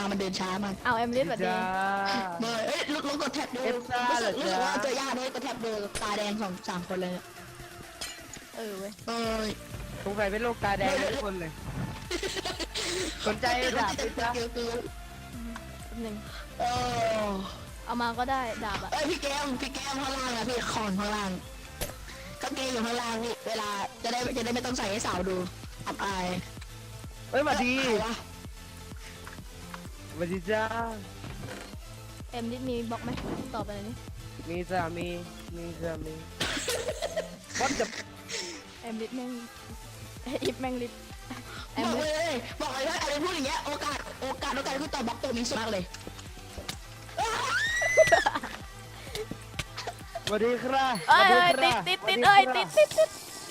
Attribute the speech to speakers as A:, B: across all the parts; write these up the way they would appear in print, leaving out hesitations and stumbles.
A: มันเดินช้ามาก
B: เอาแอมลิสแบบนี้
C: จ้า
A: เมื่อลูกกดแท็บดู
C: เอฟซ่า
A: รู้สึก
C: เหรอจ๊ะ
A: ว่าเจอยากด้วยกดแท็บดูตาแดง3 คนเลยเนี่ย
B: เออเว้ย
A: เอ้ย
C: สงสัยเป็นโรคตาแดงทุกคนเลย สนใจดาบไหมจ๊ะ
A: เกลือ
B: แป๊บหนึง
A: เออ
B: เอามาก็ได้ดาบอะ
A: เอ้ยพี่แก้มข้างล่างอะพี่คอนข้างล่างกางเกงอยู่ข้างล่างนี่เวลาจะได้ไม่ต้องใส่ให้สาวดูอับอาย
C: เฮ้ยมาดี
A: ใครวะ
C: มาดีจ้า
B: แอมลิสมีบล็อกไหมตอบไปเลยนี่
C: มีจ้ามีจ้ามีวัดจะ
B: แอมลิสแม่งอิฟแม่งลิสแอม
A: บอก
B: ลิส
A: เลยบอกเลยว่าอะไรพูดอย่างเงี้ยโอกาสที่ต่อบล็อกตัวนี้สูงมากเลย
C: สวัสดีครับ
B: เอ้ยติดเอ้ยติด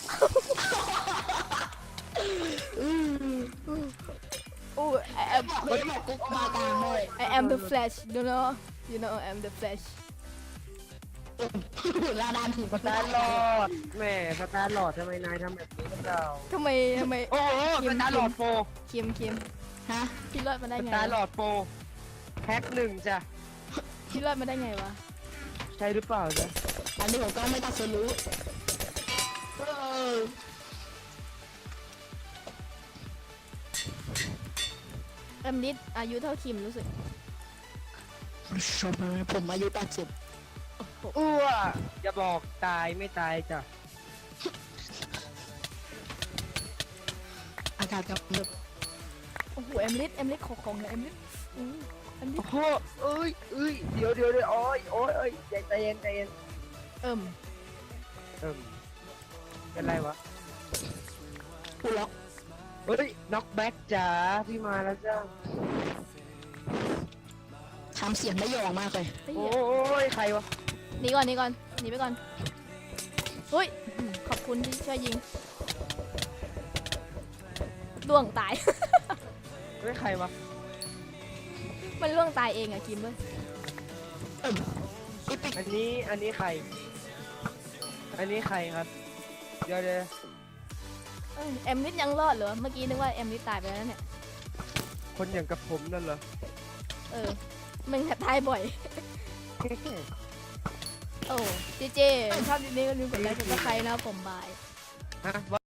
B: อู้แอม
A: บอกเลยบอกกุ๊กมากลางเลย
B: I am the Flash you know I am the Flash
A: ลาดานถึง
C: สตาร์หลอดแหม่สตาร์หลอดทำไมนายทำแบบนี้กับเรา
B: ทำไม
C: โอ้โหสตาร์หลอดโปร
B: เคียม
A: ฮะ
B: พี่รอดมาได้
C: ส
B: ไง
C: ตาร์หลอดโปรแพ็คหนึ่งจ้ะ
B: พี่รอดมาได้ไงวะ
C: ใช่หรือเปล่าจ๊ะ
A: อันนี้ผมก็ไม่ตัดสรู้อ
B: แอมลิสอายุเท่าคิมรู้สึก
A: ชมไหมผมอายุ80
C: อ้วอย่าบอกตายไม่ตายจ้ะ
A: อากาศกับเดือบ
B: โอ้โหแอมลิสของเลยแอมลิสแอมลิ
C: โอ้
B: ส
C: โหเอ้ยเดี๋ยวโอ้ยใจเย็น
B: เอิ่ม
C: เป็นไรวะ
A: กูล็อก
C: เฮ้ยน็อกแบ็กจ๋าพี่มาแล้วจ้า
A: ทำเสียงได้หยองมากเลย
B: เฮ้ย
C: โอ้ยใครวะ
B: หนีก่อนหนีไปก่อนเฮ้ยขอบคุณที่ช่วยยิงล่วงตาย
C: เฮ้ยใครวะ
B: มันล่วงตายเองอะคิมเว้ย
A: อีปิก
C: อันนี้ใครครับเดี๋ยว
B: เอ้ยแอมลิสยังรอดเหรอเมื่อกี้นึกว่าแอมลิสตายไปแล้วเนี่ย
C: คนอย่างกับผมนั่นเหรอ
B: เออมึงตายบ่อย โอ้เจชอบดีนี้ก็ลืมกดไลค์กดซับสไครต์นะครับผมบาย
C: ฮะว่า